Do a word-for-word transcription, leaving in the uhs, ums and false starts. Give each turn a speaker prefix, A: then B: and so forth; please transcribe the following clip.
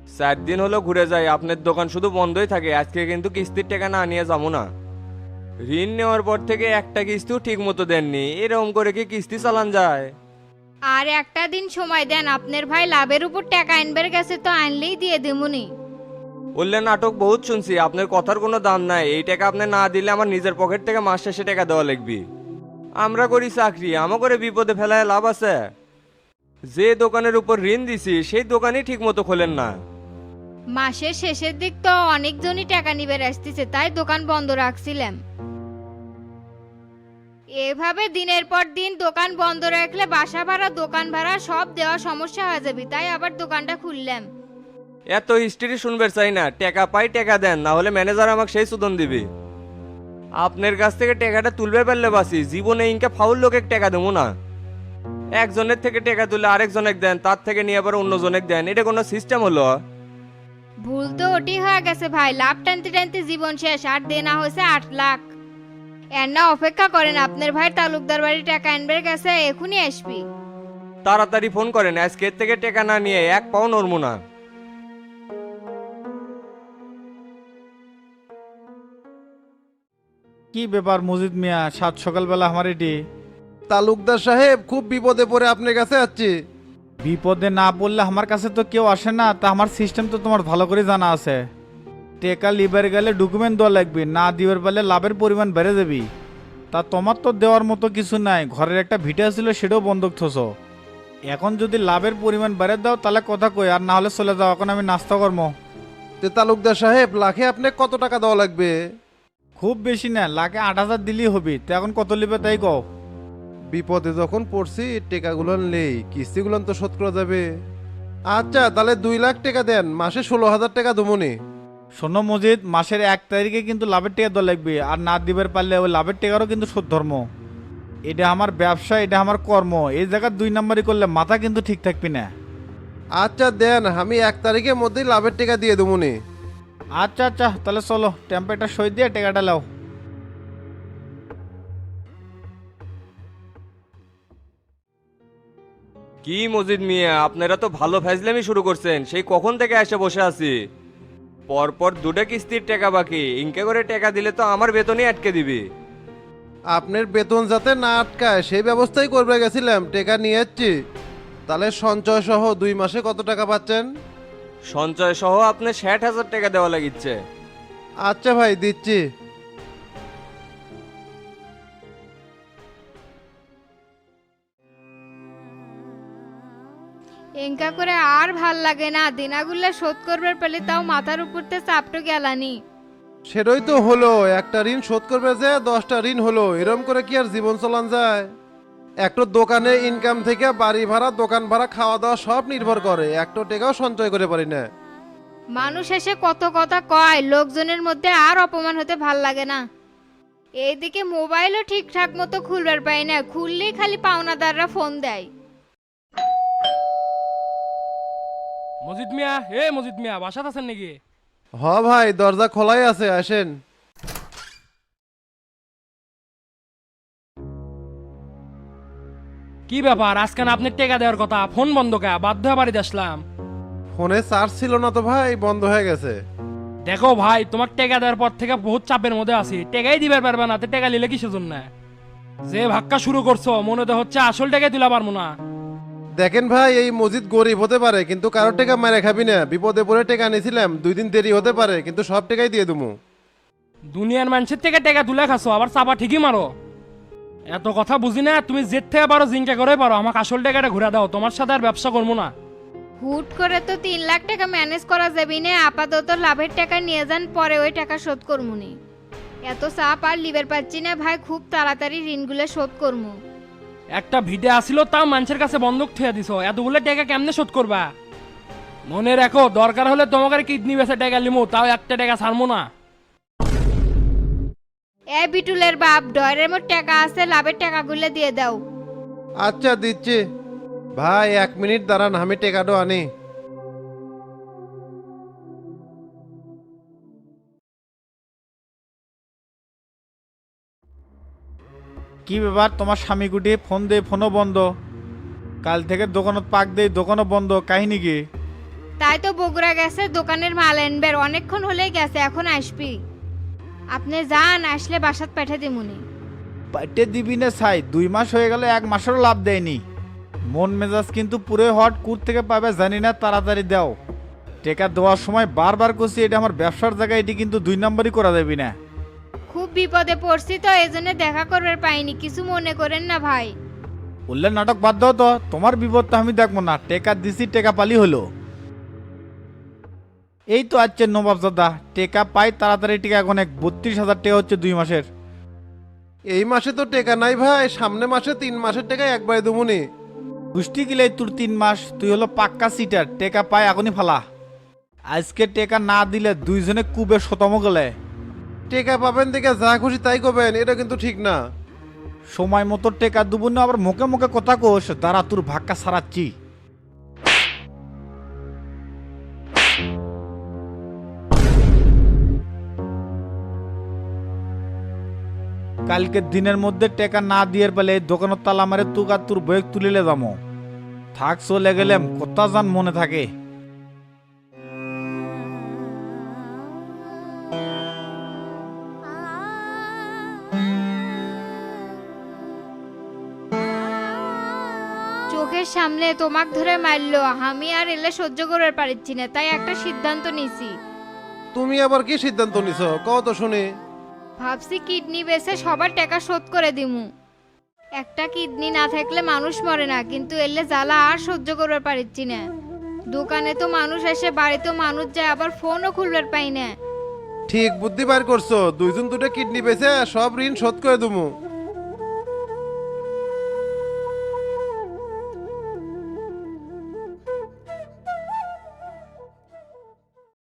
A: চার দিন হলো ঘুরে যাই, আপনার দোকান শুধু বন্ধই থাকে। আজকে কিন্তু কিস্তির টাকা না নিয়ে যাবো না। ঋণ নেওয়ার পর থেকে একটা কিস্তিও ঠিক মতো দেননি, এরকম করে কি কিস্তি চালান যায়?
B: আর একটা দিন সময় দেন, আপনার ভাই লাভের উপর টাকা আনবার গেছে তো আনলেই দিয়ে দেবুনি।
A: বললে নাটক বহুত শুনছি, আপনার কথার কোনো দাম নাই। এই টাকা আপনি না দিলে আমার নিজের পকেট থেকে মাস শেষে টাকা দেওয়া লাগবে। আমরা করি চাকরি, আমা করে বিপদে ফেলায় লাভ আছে? যে দোকানের উপর ঋণ দিছি সেই দোকানই ঠিক মতো খোলেন না।
B: মাসের শেষের দিক তো অনেকজনই টাকা নিবে আসতেছে, তাই দোকান বন্ধ রাখছিলাম। এভাবে দিনের পর দিন দোকান বন্ধ রাখলে বাসা ভাড়া দোকান ভাড়া সব দেওয়া সমস্যা হয়ে যাবে, তাই আবার দোকানটা খুললাম।
A: এত হিস্ট্রি শুনবে চাই না, টাকা পাই টাকা দেন, না হলে ম্যানেজার আমাকে সেই সুদন দিবে। আপনার কাছ থেকে টাকাটা তুলবে পারলে বাসি, জীবনে ইনকা ফাউল লোকে টাকা দেবো না। একজনের থেকে টাকা তুলে আরেকজনের দেন, তার থেকে নিয়ে আবার অন্যজনের দেন, এটা কোনো সিস্টেম হলো?
B: ভুল তো ওটি হয়ে গেছে ভাই, লাভ টানতে টানতে জীবন শেষ, আর দেনা হয়েছে আট লাখ। এর না অপেক্ষা করেন, আপনার ভাই তালুকদার বাড়ি টাকা আনবার গেছে, এখনই আসবি।
A: তাড়াতাড়ি ফোন করেন, আজকের থেকে টাকা না নিয়ে এক পাও নড়বো না।
C: কি ব্যাপার মজিদ মিয়া, সাত সকালবেলা আমার এটি?
D: তালুকদার সাহেব, খুব বিপদে পড়ে আপনার কাছে যাচ্ছি।
C: বিপদে না পড়লে আমার কাছে তো কেউ আসে না, তা আমার সিস্টেম তো তোমার ভালো করে জানা আছে। টেকা লিবার গেলে ডকুমেন্ট দেওয়া লাগবে, না দিবার পারলে লাভের পরিমাণ বেড়ে যাবি। তা তোমার তো দেওয়ার মতো কিছু নাই, ঘরের একটা ভিটা ছিল সেটাও বন্ধক থসো। এখন যদি লাভের পরিমাণ বেড়ে দাও তাহলে কথা কই, আর না হলে চলে যাও, এখন আমি নাস্তা করবো।
D: তে তালুকদার সাহেব, লাখে আপনি কত টাকা দেওয়া লাগবে?
C: খুব বেশি না, লাখে আট হাজার দিলেই হবি। তো এখন কত লিবে তাই কও।
D: বিপদে যখন পড়ছি টেকাগুলো নেই, কিস্তিগুলো তো শোধ করা যাবে। আচ্ছা, তাহলে দুই লাখ টাকা দেন, মাসে ষোলো হাজার টাকা দমনি।
C: শোনো মজিদ, মাসের এক তারিখে কিন্তু লাভের টাকা দেওয়া লাগবে, আর না দিবার পারলে ওই লাভের টাকারও কিন্তু শোধ ধর্ম। এটা আমার ব্যবসা, এটা আমার কর্ম, এই জায়গায় দুই নাম্বারই করলে মাথা কিন্তু ঠিক থাকবি না।
D: আচ্ছা দেন, আমি এক তারিখের মধ্যেই লাভের টাকা দিয়ে দেবনি।
C: আচ্ছা আচ্ছা, তাহলে চলো টেম্পারেটা সই দিয়ে টাকাটা লাও।
A: কি মজিদ মিয়া, আপনারা তো ভালো ফ্যাজলামি শুরু করছেন, সেই কখন থেকে এসে বসে আছি। পরপর দুটো কিস্তির টাকা বাকি, ইনকে করে টাকা দিলে তো আমার বেতনই আটকে দিবি।
D: আপনার বেতন যাতে না আটকায় সেই ব্যবস্থাই করবে গেছিলাম, টাকা নিয়ে যাচ্ছি। তাহলে সঞ্চয় সহ দুই মাসে কত টাকা পাচ্ছেন?
A: সঞ্চয় সহ আপনি ষাট হাজার টাকা দেওয়া লাগিচ্ছে।
D: আচ্ছা ভাই, দিচ্ছি।
B: এঙ্কা করে আর ভাল লাগে না, দিনাগুলো শোধ করবার পেলে তাও মাথার উপরতে চাপটো গেলানি।
D: সেটাই তো হলো, একটা ঋণ শোধ করবে যে দশটা ঋণ হলো, এরম করে কি আর জীবন চলান যায়? একটা দোকানে ইনকাম থেকে বাড়ি ভাড়া, দোকান ভাড়া, খাওয়া দাওয়া সব নির্ভর করে, একটা টাকাও সঞ্চয় করে পারি না।
B: মানুষ এসে কত কথা কয়, লোকজনের মধ্যে আর অপমান হতে ভাল লাগে না। এইদিকে মোবাইলও ঠিকঠাক মতো খুলবার পাই না, খুললেই খালি পাওনাদাররা ফোন দেয়।
E: মজিদ মিয়া, এ মজিদ মিয়া, বাসাত আছেন নাকি?
D: হ ভাই, দরজা খোলাই আছে, আসেন।
E: কি ব্যাপার, আজকাল আপনার টেকা দেওয়ার কথা, ফোন বন্ধ কা? বাধ্য হয়ে বাড়িতে আসলাম।
D: ফোনে চার্জ ছিল না তো ভাই, বন্ধ হয়ে গেছে।
E: দেখো ভাই, তোমার টেকা দেওয়ার পর থেকে বহুত চাপের মধ্যে আছি, টেকাই দিবার পারবে না, তো টেকা নিলে কিসের জন্য? যে ভাক্কা শুরু করছো মনে তো হচ্ছে আসল টাকাই তুলা পারবো না।
D: দেখেন ভাই, এই মসজিদ গরিব হতে পারে কিন্তু কারোর টাকা মেরে খাবি না। বিপদে পড়ে টাকা নিয়েছিলাম, দুই দিন দেরি হতে পারে কিন্তু সব টাকাই দিয়ে দেবো।
E: দুনিয়ার মানুষের থেকে টেকা তুলে খাচ্ছ, আবার চাপা ঠিকই মারো। এত কথা বুঝি না, তুমি জেদ থেকে পারো জিঙ্কা করে পারো, আমাকে আসল টাকাটা ঘুরে দাও, তোমার সাথে আর ব্যবসা করবো না।
B: হুট করে তো তিন লাখ টাকা ম্যানেজ করা যাবে না, আপাতত লাভের টাকা নিয়ে যান, পরে ওই টাকা শোধ করমুনি। এত চাপ আর লিবার পাচ্ছি না ভাই, খুব তাড়াতাড়ি ঋণগুলো শোধ করমু।
E: একটা ভিডে আসিল, তাও মানুষের কাছে বন্ধক থুয়ে দিছ, এতগুলো টাকা কেমনে শোধ করবা? মনে রাখো, দরকার হলে তোমাকে কিডনি বেচে টাকা লিমু, তাও একটা টাকা ছাড়বো না।
B: এ বিটুলের বাপ, ডয়ের মোট টাকা আছে, লাভের টাকাগুলো দিয়ে দাও।
D: আচ্ছা দিচ্ছি ভাই, এক মিনিট দাঁড়ান, আমি টাকাটা আনি।
C: কি ব্যাপার, তোমার স্বামী গুটি ফোন দে, ফোনও বন্ধ। কাল থেকে দোকানত পাক দেই, দোকানও বন্ধ, কাহিনী কি?
B: তাই তো বগুড়া গেছে দোকানের মাল আনবের, অনেকক্ষণ হলেই গেছে, এখন আসবি। আপনি যান, আসলে বাসাত পাঠা দিমুনি।
C: পাইটে দিবি না ছাই, দুই মাস হয়ে গেল, এক মাসেরও লাভ দেয়নি। মন মেজাজ কিন্তু পুরো হট, কুর থেকে পাবে জানি না, তাড়াতাড়ি দাও। টেকা দেওয়ার সময় বারবার করছি এটা আমার ব্যবসার জায়গায়, এটি কিন্তু দুই নম্বরই করা যাবি না।
B: খুব বিপদে পড়ছি তো এজন্য দেখা করবার পাইনি, কিছু মনে করেন না ভাই।
C: বললে নাটক বাদ দাও তো, তোমার বিপদটা আমি দেখবো না। টেকা দিছি, টেকা পালি হলো। এই তো আছে নবাবজাদা, টেকা পাই তাড়াতাড়ি। টেকা এখন এক বত্রিশ হাজার টাকা হচ্ছে দুই মাসের।
D: এই মাসে তো টেকা নাই ভাই, সামনে মাসে তিন মাসের টাকা একবারে দেবুনি।
C: পুষ্টি গিলে তোর তিন মাস, তুই হলো পাক্কা সিটার। টেকা পাই এখনই ফালা। আজকে টেকা না দিলে দুইজনে কুবে শতম গেলে।
D: টেকা পাবেন দেখে যা খুশি তাই করবেন, এটা কিন্তু ঠিক না।
C: সময় মতো টেকা দেবো না, আবার মুখে মুখে কথা কোস। দাঁড়া, তোর ভাক্কা সারাচ্ছি। কালকের দিনের মধ্যে টেকা না দিয়ে পেলে দোকানের তালা মারে তুক আর তোর বয়েক তুলিলে যাবো। থাক, চলে গেলাম, কথা জান মনে থাকে।
B: চোখের সামনে তোমাক ধরে মারলো, আমি আর এলে সহ্য করতে পারছি না, তাই একটা সিদ্ধান্ত নিছি।
D: তুমি আবার কি সিদ্ধান্ত নিছো কও তো শুনি।
B: ভাবছি কিডনি বেচে সবার টাকা শোধ করে দিমু। একটা কিডনি না থাকলে মানুষ মরে না, কিন্তু এলে জ্বালা আর সহ্য করতে পারছি না। দোকানে তো মানুষ আসে, বাড়িতেও মানুষ যায়, আবার ফোনও খুলবার পাই না।
D: ঠিক বুদ্ধি বার করছো, দুইজন দুটো কিডনি বেচে সব ঋণ শোধ করে দেবো।